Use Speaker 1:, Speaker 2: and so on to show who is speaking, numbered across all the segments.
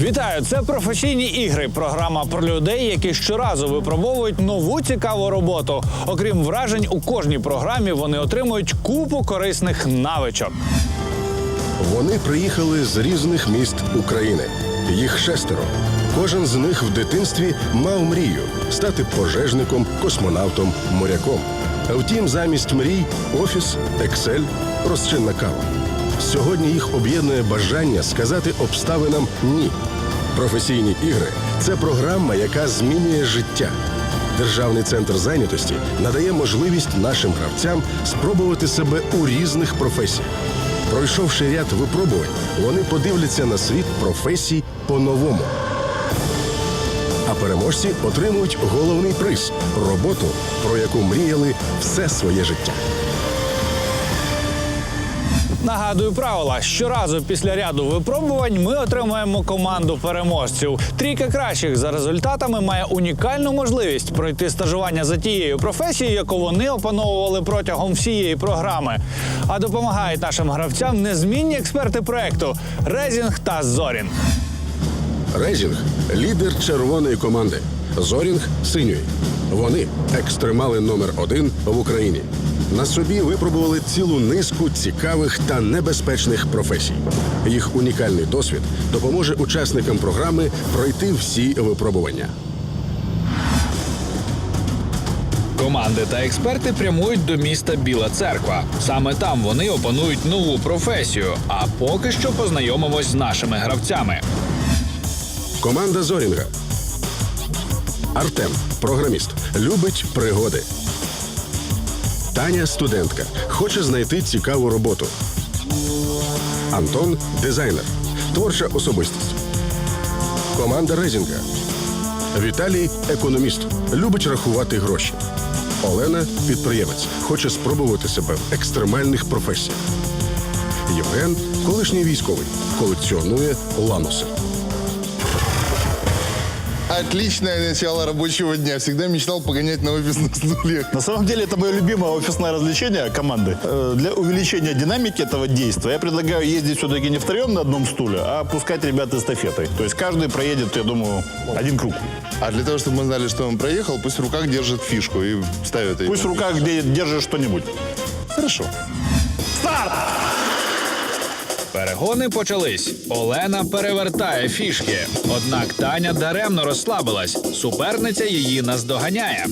Speaker 1: Вітаю! Це «Професійні ігри» – програма про людей, які щоразу випробовують нову цікаву роботу. Окрім вражень, у кожній програмі вони отримують купу корисних навичок.
Speaker 2: Вони приїхали з різних міст України. Їх 6. Кожен з них в дитинстві мав мрію – стати пожежником, космонавтом, моряком. Втім, замість мрій – офіс, Excel, розчинна кава. Сьогодні їх об'єднує бажання сказати обставинам «ні». «Професійні ігри» – це програма, яка змінює життя. Державний центр зайнятості надає можливість нашим гравцям спробувати себе у різних професіях. Пройшовши ряд випробувань, вони подивляться на світ професій по-новому. А переможці отримують головний приз – роботу, про яку мріяли все своє життя.
Speaker 1: Нагадую правила. Щоразу після ряду випробувань ми отримуємо команду переможців. Трійка кращих за результатами має унікальну можливість пройти стажування за тією професією, яку вони опановували протягом всієї програми. А допомагають нашим гравцям незмінні експерти проекту «Резінг» та «Зорінг».
Speaker 2: «Резінг» – лідер червоної команди, «Зорінг» – синьої. Вони – екстремали номер 1 в Україні. На собі випробували цілу низку цікавих та небезпечних професій. Їх унікальний досвід допоможе учасникам програми пройти всі випробування.
Speaker 3: Команди та експерти прямують до міста Біла Церква. Саме там вони опанують нову професію, а поки що познайомимось з нашими гравцями.
Speaker 2: Команда «Зорінга». Артем – програміст, любить пригоди. Таня – студентка, хоче знайти цікаву роботу. Антон – дизайнер, творча особистість. Команда «Резінга». Віталій – економіст, любить рахувати гроші. Олена – підприємець, хоче спробувати себе в екстремальних професіях. Євген – колишній військовий, колекціонує лануси.
Speaker 4: Отличное начало рабочего дня. Всегда мечтал погонять на офисных стульях.
Speaker 5: На самом деле это мое любимое офисное развлечение команды. Для увеличения динамики этого действия я предлагаю ездить все-таки не втроем на одном стуле, а пускать ребят эстафетой. То есть каждый проедет, я думаю, один круг.
Speaker 4: А для того, чтобы мы знали, что он проехал, пусть в руках держит фишку и ставит ее.
Speaker 5: Пусть в руках держишь что-нибудь.
Speaker 4: Хорошо.
Speaker 5: Старт!
Speaker 3: Перегони почались. Олена перевертає фішки. Однак Таня даремно розслабилась. Суперниця її наздоганяє.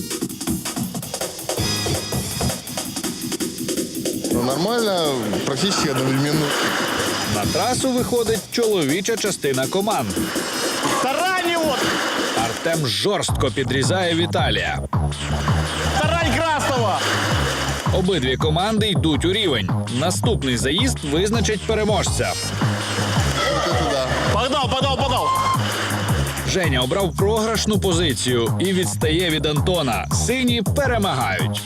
Speaker 4: Ну, нормально, практически одновременно.
Speaker 3: На трасу виходить чоловіча частина команд.
Speaker 5: Тарань его!
Speaker 3: Артем жорстко підрізає Віталія.
Speaker 5: Тарань красного!
Speaker 3: Обидві команди йдуть у рівень. Наступний заїзд визначить переможця.
Speaker 4: Вот это да.
Speaker 5: Погнал!
Speaker 3: Женя обрав програшну позицію і відстає від Антона. Сині перемагають.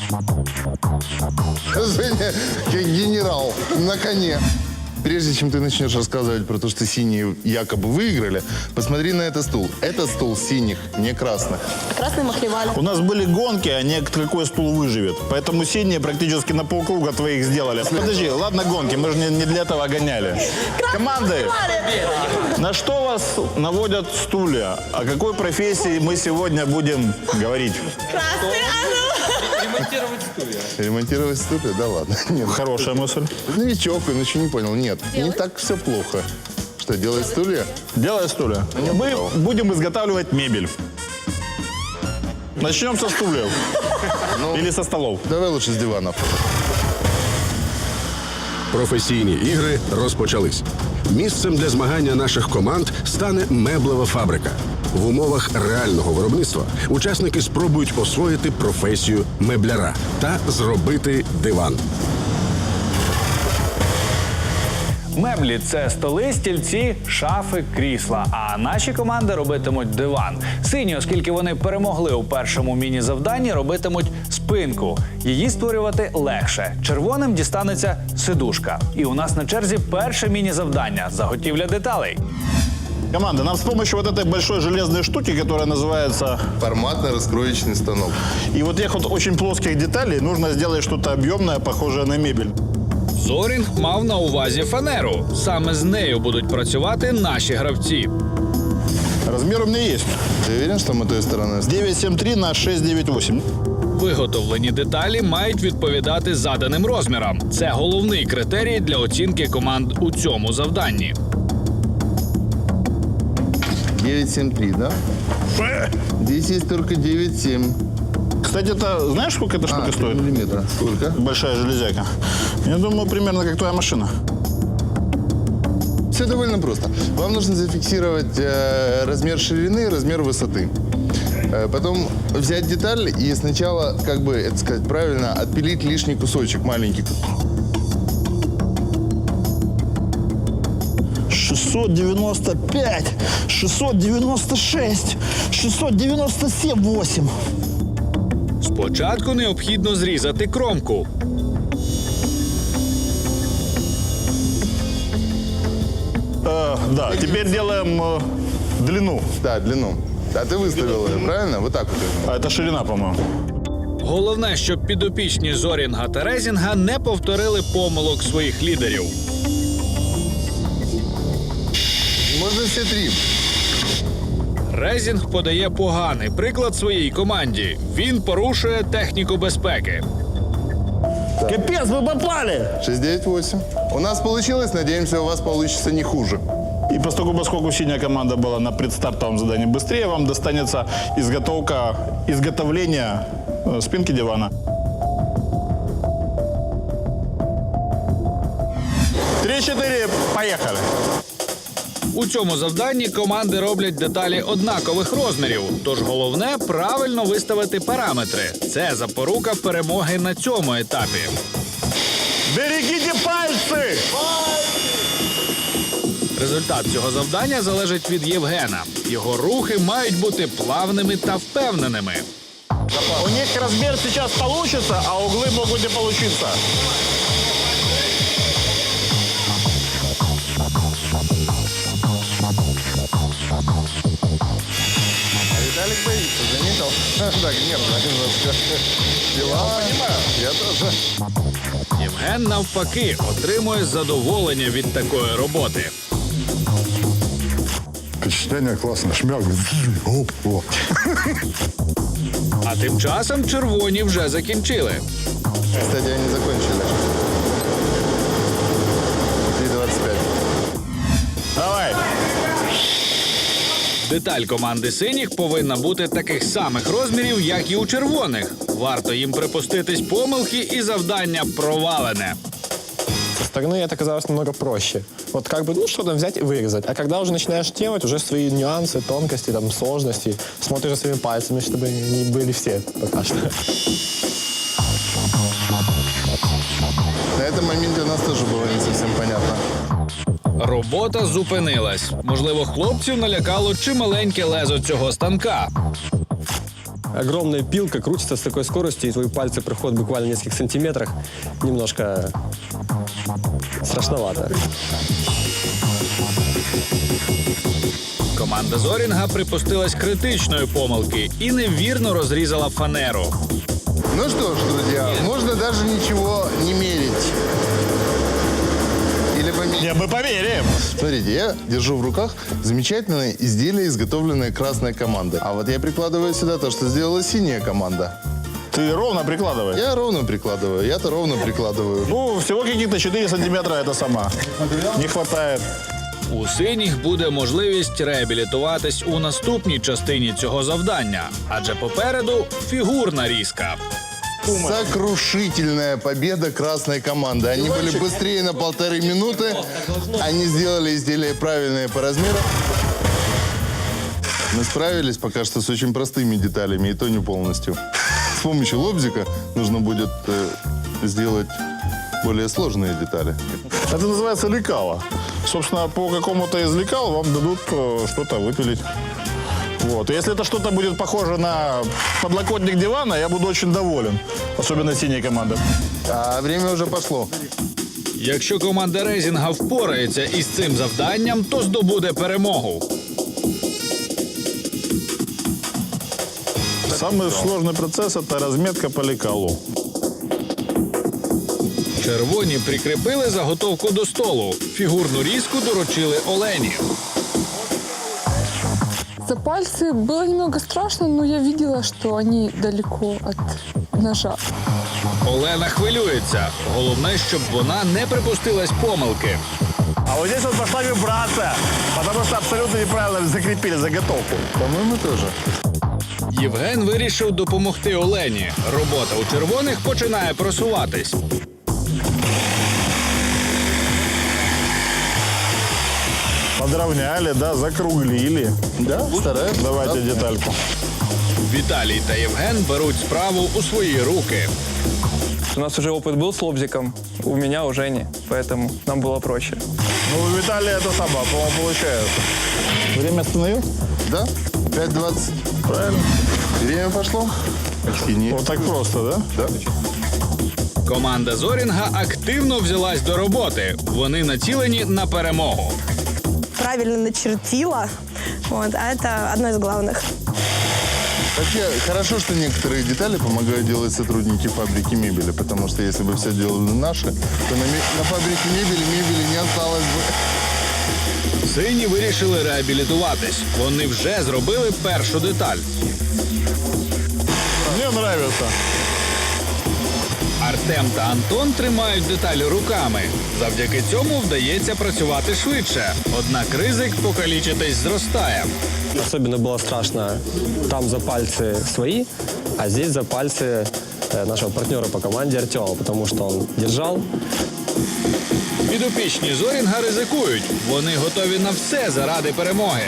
Speaker 4: Женя, как генерал на коне. Прежде чем ты начнешь рассказывать про то, что синие якобы выиграли, посмотри на этот стул. Это стул синих, не красных.
Speaker 6: Красный махлевали.
Speaker 5: У нас были гонки, а не какой стул выживет. Поэтому синие практически на полкруга твоих сделали. Подожди, ладно гонки, мы же не для этого гоняли. Команды, на что вас наводят стулья? О какой профессии мы сегодня будем говорить?
Speaker 6: Красный,
Speaker 4: Ремонтировать стулья? Да ладно. Нет.
Speaker 5: Хорошая мысль.
Speaker 4: Новичок, он еще не понял. Нет, не так все плохо. Что, делать стулья?
Speaker 5: Делай стулья. Мы будем изготавливать мебель. Начнем со стульев. Или со столов.
Speaker 4: Давай лучше с диванов.
Speaker 2: Професійні ігри розпочались. Місцем для змагання наших команд стане меблева фабрика. В умовах реального виробництва учасники спробують освоїти професію мебляра та зробити диван.
Speaker 1: Меблі – це столи, стільці, шафи, крісла. А наші команди робитимуть диван. Сині, оскільки вони перемогли у першому міні-завданні, робитимуть спинку. Її створювати легше. Червоним дістанеться сидушка. І у нас на черзі перше міні-завдання – заготівля деталей.
Speaker 5: Команда, нам с помощью вот этой большой железной штуки, которая называется...
Speaker 4: Форматно-раскроечный станок.
Speaker 5: И вот тех вот очень плоских деталей нужно сделать что-то объемное, похожее на мебель.
Speaker 3: Зорінг мав на увазі фанеру. Саме з нею будуть працювати наші гравці.
Speaker 5: Размер у меня есть.
Speaker 4: Ты уверен, что мы той стороной?
Speaker 5: 973 на 698.
Speaker 3: Виготовлені деталі мають відповідати заданим розмірам. Це головний критерій для оцінки команд у цьому завданні.
Speaker 4: 973, да? Здесь есть только 9,7.
Speaker 5: Кстати, это знаешь, сколько эта штука стоит?
Speaker 4: Миллиметра. Сколько?
Speaker 5: Большая железяка. Я думаю, примерно как твоя машина.
Speaker 4: Все довольно просто. Вам нужно зафиксировать размер ширины, размер высоты. Потом взять деталь и сначала, как бы это сказать правильно, отпилить лишний кусочек маленький.
Speaker 5: 695, 696, 697, 8.
Speaker 3: Спочатку необхідно зрізати кромку.
Speaker 5: Да, теперь делаем длину.
Speaker 4: Да, длину. А ты выставил ее, правильно? Вот так вот.
Speaker 5: А это ширина, по-моему.
Speaker 3: Головне, щоб підопічні Зорінга та Резінга не повторили помилок своїх лідерів.
Speaker 4: Можно все три.
Speaker 3: Резінг подає поганий приклад своїй команді. Він порушує техніку безпеки.
Speaker 5: Капец, мы попали!
Speaker 4: 698. У нас получилось, надеемся, у вас получится не хуже.
Speaker 5: И поскольку синяя команда была на предстартовом задании быстрее, вам достанется изготовление спинки дивана. 3-4, поехали!
Speaker 3: У цьому завданні команди роблять деталі однакових розмірів, тож головне правильно виставити параметри. Це запорука перемоги на цьому етапі.
Speaker 5: Берегите пальцы!
Speaker 3: Результат цього завдання залежить від Євгена. Його рухи мають бути плавними та впевненими.
Speaker 5: У них размер сейчас получится, а углы могут не получиться.
Speaker 4: Виталик боится, заметил? Так, нервно немножко. Дела. Понимаю. Я тоже.
Speaker 3: Євген, навпаки, отримує задоволення від такої роботи.
Speaker 7: Впечатление классное. Шмяк. Оп, оп.
Speaker 3: А тим часом червоні вже закінчили.
Speaker 4: Кстати, они закончили. 3,25.
Speaker 5: Давай.
Speaker 3: Деталь команди синіх повинна бути таких самих розмірів, як і у червоних. Варто їм припуститись помилки, і завдання провалене.
Speaker 8: Со стороны это казалось намного проще. Вот как бы, что-то взять и вырезать. А когда уже начинаешь делать, уже свои нюансы, тонкости, там, сложности, смотришь своими пальцами, чтобы не были все пока что.
Speaker 4: На этом моменте у нас тоже было не совсем понятно.
Speaker 3: Робота зупинилась. Можливо, хлопців налякало чималеньке лезо цього станка.
Speaker 9: Огромная пилка крутится с такой скоростью, и твои пальцы проходят буквально в нескольких сантиметрах. Немножко страшновато.
Speaker 3: Команда Зорінга припустилась критичної помилки і невірно розрізала фанеру.
Speaker 4: Ну что ж, друзья, можно даже ничего не мерить. Или померить.
Speaker 5: Не, мы померяем.
Speaker 4: Смотрите, я держу в руках замечательное изделие, изготовленное красной командой. А вот я прикладываю сюда то, что сделала синяя команда.
Speaker 5: Ты ровно прикладывай.
Speaker 4: Я ровно прикладываю, я-то ровно прикладываю.
Speaker 5: Ну, всего каких-то 4 сантиметра это сама. Не хватает.
Speaker 3: У синіх буде можливість реабілітуватись у наступній частині цього завдання, адже попереду фігурна різка.
Speaker 4: Сокрушительная победа красной команды. Они были быстрее на 1,5 минуты. Они сделали изделие правильное по размеру. Мы справились пока что с очень простыми деталями, и то не полностью. С помощью лобзика нужно будет сделать более сложные детали.
Speaker 5: Это называется лекало. Собственно, по какому-то из лекал вам дадут что-то выпилить. Вот. Если это что-то будет похоже на подлокотник дивана, я буду очень доволен. Особенно синяя команда.
Speaker 4: А время уже пошло.
Speaker 3: Якщо команда Резінга впорається із цим завданням, то здобуде перемогу.
Speaker 5: Самый сложный процесс – это разметка по лекалу.
Speaker 3: Червоні прикріпили заготовку до столу. Фігурну різку доручили Олені.
Speaker 10: За пальцы было немного страшно, но я видела, что они далеко от ножа.
Speaker 3: Олена хвилюється. Головне, щоб вона не припустилась помилки.
Speaker 5: А вот здесь вот пошла вибрация, потому что абсолютно неправильно закрепили заготовку.
Speaker 4: По-моему, тоже.
Speaker 3: Євген вирішив допомогти Олені. Робота у червоних починає просуватись.
Speaker 5: Подровняли, да, закруглили.
Speaker 4: Да, стараюсь.
Speaker 5: Давайте детальку.
Speaker 3: Віталій та Євген беруть справу у свої руки.
Speaker 11: У нас уже опыт был с лобзиком, у меня у Жени, поэтому нам было проще.
Speaker 5: Ну, у Виталия это сама, по-моему, получается. Время остановил?
Speaker 4: Да, 5:20.
Speaker 5: Правильно.
Speaker 4: Время пошло. Почти нет.
Speaker 5: Вот так просто, да?
Speaker 4: Да.
Speaker 3: Команда Зорінга активно взялась до роботи. Вони націлені на перемогу.
Speaker 6: Правильно начертила. Вот, а это одно из главных.
Speaker 4: Вообще, хорошо, что некоторые детали помогают делать сотрудники фабрики мебели, потому что если бы все делали наши, то на фабрике мебели не осталось бы.
Speaker 3: Сині вирішили реабілітуватись. Вони вже зробили першу деталь.
Speaker 5: Мне нравится.
Speaker 3: Артем та Антон тримають деталі руками. Завдяки цьому вдається працювати швидше. Однак ризик покалічитись зростає.
Speaker 9: Особенно было страшно там за пальцы свои, а здесь за пальцы нашего партнера по команде Артема, потому что он держал.
Speaker 3: Підопічні Зорінга ризикують. Вони готові на все заради перемоги.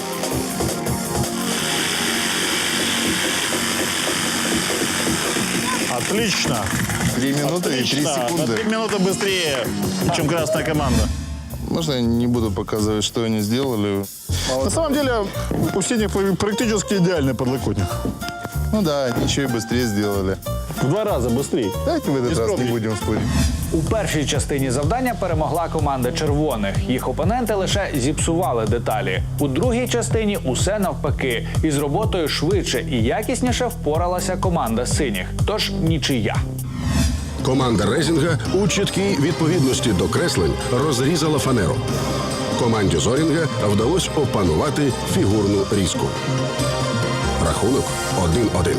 Speaker 5: Отлично.
Speaker 4: 3 минуты и 3
Speaker 5: Отлично. На
Speaker 4: секунды.
Speaker 5: 3 минуты быстрее, чем красная команда.
Speaker 4: Можно я не буду показывать, что они сделали?
Speaker 5: На самом деле, у синих практически идеальный подлокотник.
Speaker 4: Ну да, они еще и быстрее сделали.
Speaker 5: В 2 раза быстрее.
Speaker 4: Давайте в этот раз не
Speaker 5: скромней.
Speaker 4: будем спорить.
Speaker 1: У першій частині завдання перемогла команда червоних. Їх опоненти лише зіпсували деталі. У другій частині усе навпаки. Із роботою швидше і якісніше впоралася команда синіх. Тож нічия.
Speaker 2: Команда Резінга у чіткій відповідності до креслень розрізала фанеру. Команді Зорінга вдалося опанувати фігурну різку. Рахунок 1-1.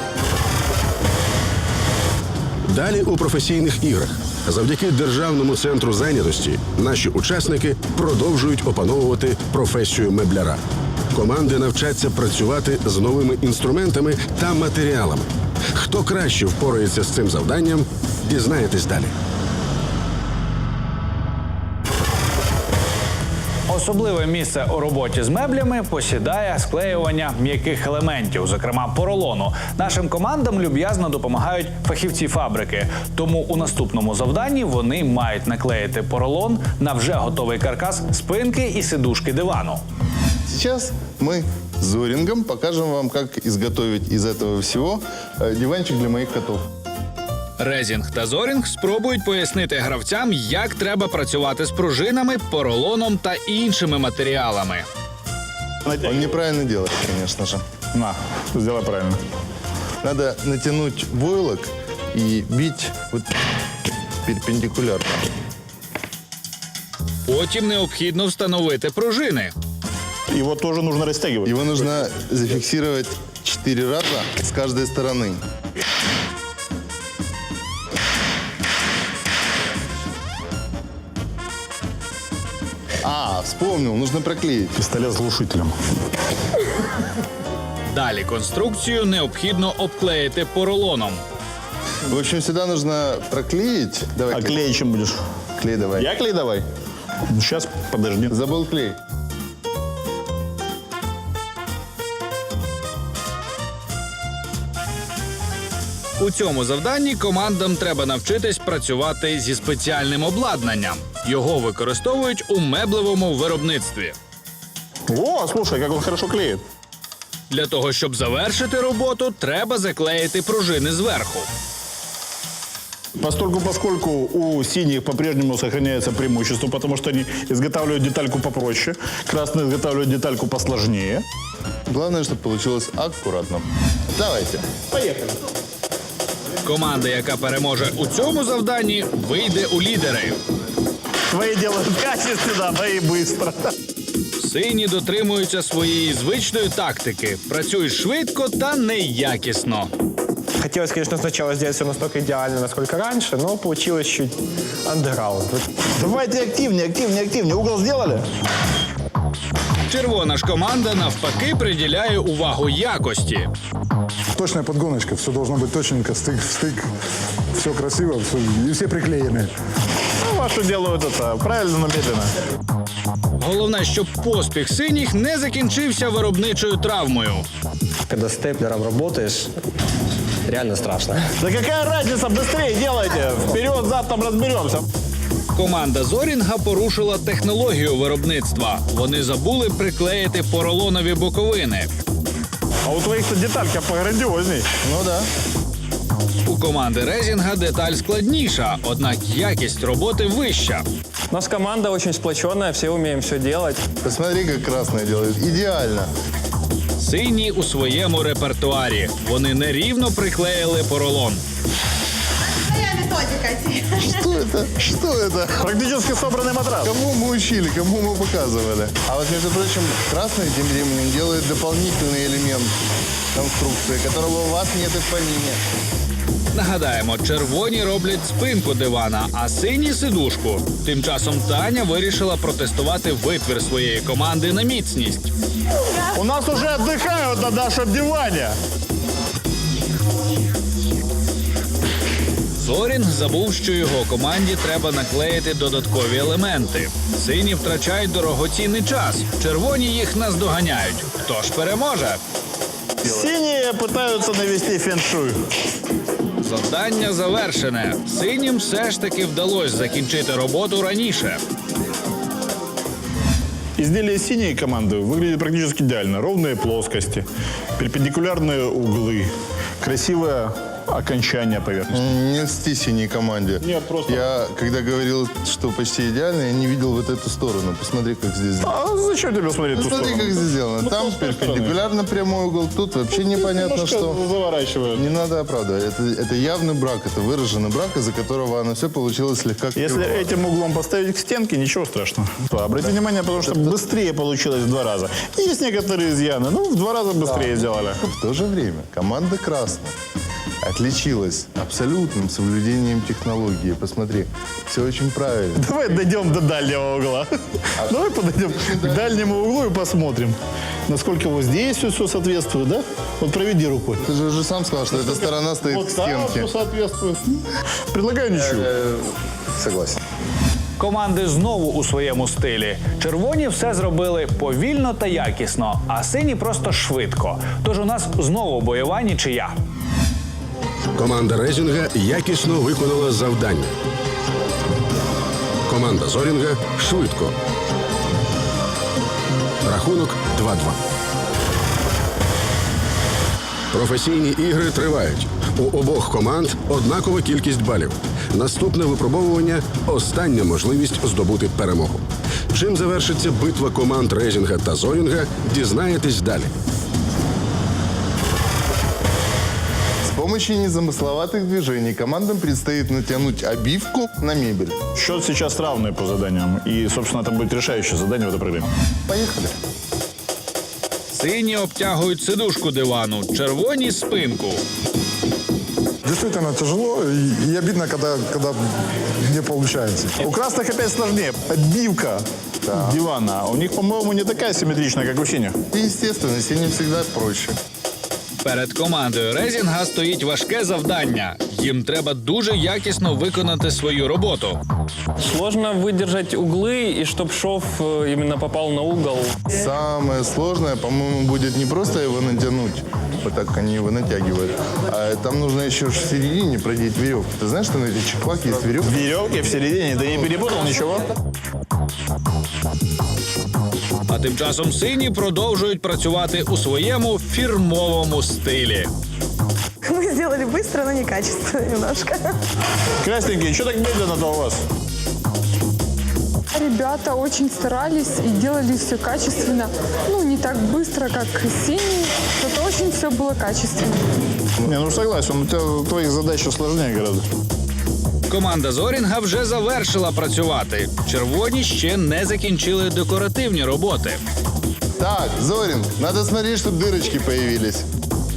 Speaker 2: Далі у професійних іграх. Завдяки Державному центру зайнятості наші учасники продовжують опановувати професію мебляра. Команди навчаться працювати з новими інструментами та матеріалами. Хто краще впорається з цим завданням, дізнаєтесь далі.
Speaker 1: Особливе місце у роботі з меблями посідає склеювання м'яких елементів, зокрема поролону. Нашим командам люб'язно допомагають фахівці фабрики. Тому у наступному завданні вони мають наклеїти поролон на вже готовий каркас спинки і сидушки дивану.
Speaker 4: Сейчас мы с Зорингом покажем вам, как изготовить из этого всего диванчик для моих котов.
Speaker 3: Резінг та Зорінг спробують пояснити гравцям, як треба працювати з пружинами, поролоном та іншими матеріалами.
Speaker 4: Он неправильно делает, конечно же.
Speaker 5: На, сделай правильно.
Speaker 4: Надо натянуть войлок и бить вот перпендикулярно.
Speaker 3: Потім необхідно встановити пружини.
Speaker 5: Его тоже нужно растягивать.
Speaker 4: Его нужно зафиксировать 4 раза с каждой стороны. Вспомнил, нужно проклеить.
Speaker 5: Пистолет с глушителем.
Speaker 3: Далі конструкцію необхідно обклеїти поролоном.
Speaker 4: В общем, сюда нужно проклеить. Давай,
Speaker 5: А клей чем будешь?
Speaker 4: клей давай.
Speaker 5: Я клей давай? Ну, сейчас, подожди.
Speaker 4: Забыл клей.
Speaker 3: У цьому завданні командам треба навчитись працювати зі спеціальним обладнанням. Його використовують у меблевому виробництві.
Speaker 5: О, слушай, как он хорошо клеит.
Speaker 3: Для того, щоб завершити роботу, треба заклеїти пружини зверху.
Speaker 5: Поскольку у синих по-прежнему сохраняется преимущество, потому что они изготавливают детальку попроще, красные изготавливают детальку посложнее.
Speaker 4: Главное, чтобы получилось аккуратно. Давайте.
Speaker 5: Поехали.
Speaker 3: Команда, яка переможе у цьому завданні, вийде у лідери.
Speaker 5: Твои делают качественно, мои быстро.
Speaker 3: Сині дотримуються своєї звичної тактики. Працюють швидко та неякісно.
Speaker 8: Хотелось, конечно, сначала сделать все настолько идеально, насколько раньше, но получилось чуть андеграунд.
Speaker 5: Давайте активнее, активнее, активнее. Угол сделали?
Speaker 3: Червона ж команда навпаки приділяє увагу якості.
Speaker 7: Точная подгоночка, все должно быть точненько, стык в стык, все красиво, и все приклеены.
Speaker 5: Ну, ваши делают это правильно, но медленно.
Speaker 3: Головне, щоб поспіх синіх не закінчився виробничою травмою.
Speaker 9: Когда степлером работаешь, реально страшно.
Speaker 5: Да какая разница, быстрее делайте. Вперед, зад, там разберемся.
Speaker 3: Команда Зорінга порушила технологію виробництва. Вони забули приклеїти поролонові боковини.
Speaker 5: А у твоих-то деталька пограндиозней. Ну да.
Speaker 3: У команди Резінга деталь складніша, однак якість роботи вища.
Speaker 11: У нас команда очень сплоченная, все умеем все делать.
Speaker 4: Посмотри, как красные делают. Идеально.
Speaker 3: Сині у своєму репертуарі. Вони нерівно приклеїли поролон.
Speaker 4: Что это? Что это?
Speaker 5: Практически собранный матрас.
Speaker 4: Кому мы учили, кому мы показывали? А вот, между прочим, красный тем временем делает дополнительный элемент конструкции, которого у вас нет и в помине.
Speaker 3: Нагадаємо, червоні роблять спинку дивана, а сині – сидушку. Тим часом Таня вирішила протестувати витвір своєї команди на міцність.
Speaker 5: У нас уже отдыхают на нашем диване.
Speaker 3: Зорінг забув, що його команді треба наклеїти додаткові елементи. Сині втрачають дорогоцінний час, червоні їх наздоганяють. Хто ж переможе?
Speaker 5: Синие пытаются навести фэншуй.
Speaker 3: Завдання завершене. Синім все ж таки вдалося закінчити роботу раніше.
Speaker 5: Изделие синей команды выглядит практически идеально. Ровные плоскости, перпендикулярные углы, красивое окончание поверхности.
Speaker 4: Не льсти синей команде.
Speaker 5: Нет, просто-
Speaker 4: Я, когда говорил, что почти идеально, я не видел вот эту сторону. Посмотри, как здесь сделано.
Speaker 5: А зачем тебе смотреть ту
Speaker 4: Посмотри,
Speaker 5: сторону?
Speaker 4: как здесь сделано.
Speaker 5: Ну,
Speaker 4: Там
Speaker 5: с той
Speaker 4: перпендикулярно прямой угол, тут вообще непонятно
Speaker 5: Немножко
Speaker 4: что.
Speaker 5: заворачивают.
Speaker 4: Не надо оправдывать. Это явный брак, это выраженный брак, из-за которого оно все получилось слегка
Speaker 5: Если
Speaker 4: кривовато.
Speaker 5: этим углом поставить к стенке, ничего страшного. Обрати внимание, потому что быстрее получилось в 2 раза. Есть некоторые изъяны, ну, в 2 раза быстрее сделали.
Speaker 4: В то же время команда «Красная» отличилась абсолютным соблюдением технологии. Посмотри, все очень правильно.
Speaker 5: Давай дойдем до дальнего угла. Давай подойдем к дальнему углу и посмотрим, насколько вот здесь все соответствует, да? Вот проведи рукой.
Speaker 4: Ты же уже сам сказал, что эта сторона стоит к
Speaker 5: Вот там
Speaker 4: стенке.
Speaker 5: все соответствует. Предлагаю ничего.
Speaker 4: Согласен.
Speaker 1: Команди знову у своєму стилі. Червоні все зробили повільно та якісно, а сині просто швидко. Тож у нас знову бойова нічия.
Speaker 2: Команда Резінга якісно виконала завдання. Команда Зорінга швидко. Рахунок 2-2. Професійні ігри тривають. У обох команд однакова кількість балів. Наступне випробовування – остання можливість здобути перемогу. Чим завершиться битва команд Резінга та Зорінга, дізнаєтесь далі.
Speaker 4: С помощью незамысловатых движений командам предстоит натянуть обивку на мебель.
Speaker 5: Счет сейчас равный по заданиям. И, собственно, это будет решающее задание в этой программе.
Speaker 4: Поехали.
Speaker 3: Сині обтягують сидушку дивану, червоні – спинку.
Speaker 7: Действительно тяжело и обидно, когда не получается.
Speaker 5: У красных опять сложнее. Обивка дивана. У них, по-моему, не такая симметричная, как у синих.
Speaker 4: И, естественно, синим всегда проще.
Speaker 3: Перед командою Резінга стоїть важке завдання. Їм треба дуже якісно виконати свою роботу.
Speaker 11: Сложно выдержать углы, и чтоб шов именно попал на угол.
Speaker 4: Самое сложное, по-моему, будет не просто его натянуть, вот так они его натягивают, а там нужно еще в середине продеть веревку. Ты знаешь, что на этих чехлах есть веревка?
Speaker 5: Веревки в середине. Ты не перепутал ничего?
Speaker 3: А тим часом сині продовжують працювати у своєму фірмовому стилі.
Speaker 6: Мы сделали быстро, но некачественно немножко.
Speaker 5: Красненькие, что так медленно-то у вас?
Speaker 10: Ребята очень старались и делали все качественно. Ну, не так быстро, как синий, зато очень все было качественно.
Speaker 5: Не, ну согласен, у тебя твоих задач сложнее гораздо.
Speaker 3: Команда Зорінга вже завершила працювати. Червоні ще не закінчили декоративні роботи.
Speaker 4: Так, Зоринг, надо смотреть, чтобы дырочки появились.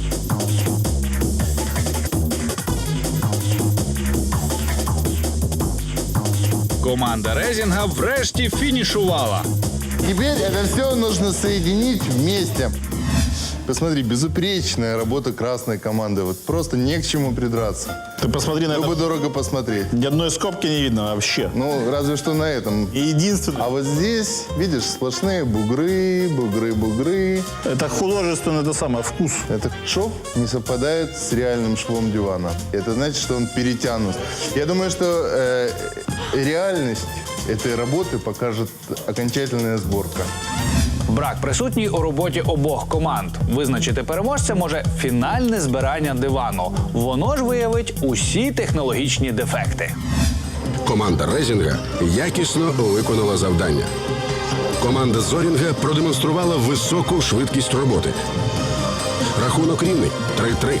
Speaker 3: Команда Резінга врешті фінішувала.
Speaker 4: Теперь это все нужно соединить вместе. Посмотри, безупречная работа красной команды. Вот просто не к чему придраться.
Speaker 5: Ты посмотри на
Speaker 4: Было бы
Speaker 5: это.
Speaker 4: дорого посмотреть.
Speaker 5: Ни одной скобки не видно вообще.
Speaker 4: Ну, разве что на этом.
Speaker 5: И единственное,
Speaker 4: А вот здесь, видишь, сплошные бугры, бугры, бугры.
Speaker 5: это художественный, это самое, вкус.
Speaker 4: Этот шов не совпадает с реальным швом дивана. Это значит, что он перетянут. Я думаю, что реальность этой работы покажет окончательная сборка.
Speaker 1: Брак присутній у роботі обох команд. Визначити переможця може фінальне збирання дивану. Воно ж виявить усі технологічні дефекти.
Speaker 2: Команда Резінга якісно виконала завдання. Команда Зорінга продемонструвала високу швидкість роботи. Рахунок рівний 3-3.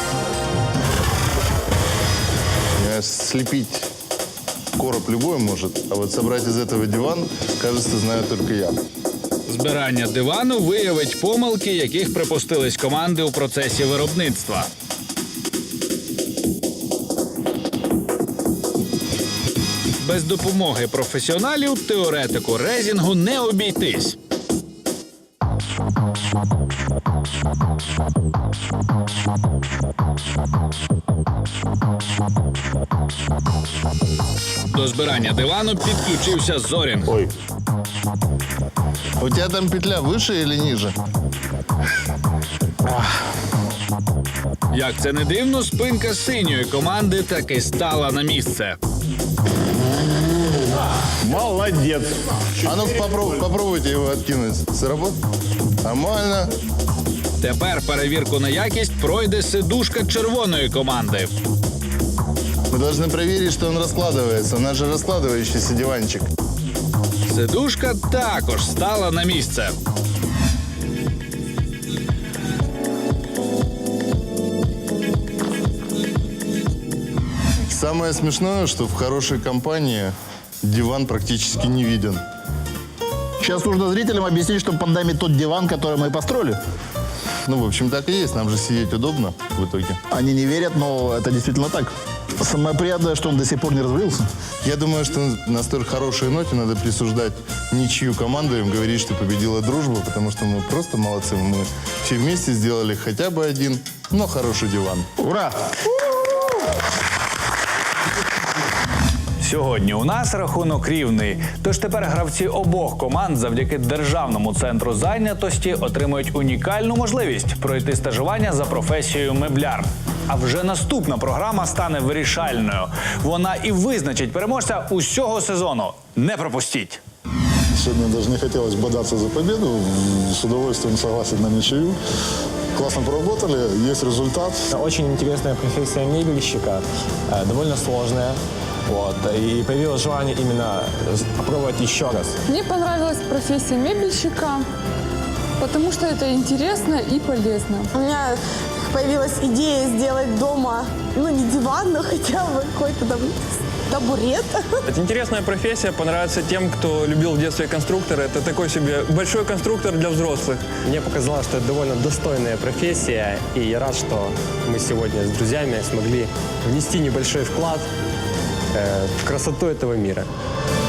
Speaker 4: Слепить короб любой может, а вот собрать из этого диван, кажется, знаю только я.
Speaker 3: Збирання дивану виявить помилки, яких припустились команди у процесі виробництва. Без допомоги професіоналів теоретику резінгу не обійтись. До збирання дивану підключився Зорінг.
Speaker 5: Ой,
Speaker 4: У тебя там петля выше или ниже?
Speaker 3: Як це не дивно, спинка синьої команди таки стала на місце.
Speaker 5: молодец.
Speaker 4: А ну попробуйте его откинуть. Сработает? Нормально.
Speaker 3: Тепер перевірку на якість пройде сидушка червоної команди.
Speaker 4: Мы должны проверить, что он раскладывается. У нас же раскладывающийся диванчик.
Speaker 3: Сидушка також стала на місце.
Speaker 4: Самое смешное, что в хорошей компании диван практически не виден.
Speaker 5: Сейчас нужно зрителям объяснить, что под нами тот диван, который мы построили.
Speaker 4: Ну, в общем, так и есть. Нам же сидеть удобно в итоге.
Speaker 5: Они не верят, но это действительно так. Самое приятное, что он до сих пор не развалился.
Speaker 4: Я думаю, что на столь хорошей ноте надо присуждать ничью команду, им говорить, что победила дружба, потому что мы просто молодцы. Мы все вместе сделали хотя бы один, но хороший диван.
Speaker 5: Ура!
Speaker 1: Сьогодні у нас рахунок рівний. Тож тепер гравці обох команд завдяки Державному центру зайнятості отримують унікальну можливість пройти стажування за професією мебляр. А вже наступна програма стане вирішальною. Вона і визначить переможця усього сезону. Не пропустіть!
Speaker 7: Сегодня даже не хотелось бодаться за победу. С удовольствием согласен на ничью. Классно поработали, есть результат.
Speaker 9: Очень интересная профессия мебельщика, довольно сложная. Вот, и появилось желание именно попробовать еще раз.
Speaker 10: Мне понравилась профессия мебельщика, потому что это интересно и полезно.
Speaker 6: У меня появилась идея сделать дома, ну, не диван, но хотя бы какой-то там табурет.
Speaker 11: Это интересная профессия, понравится тем, кто любил в детстве конструкторы. Это такой себе большой конструктор для взрослых.
Speaker 9: Мне показалось, что это довольно достойная профессия, и я рад, что мы сегодня с друзьями смогли внести небольшой вклад в красоту этого мира.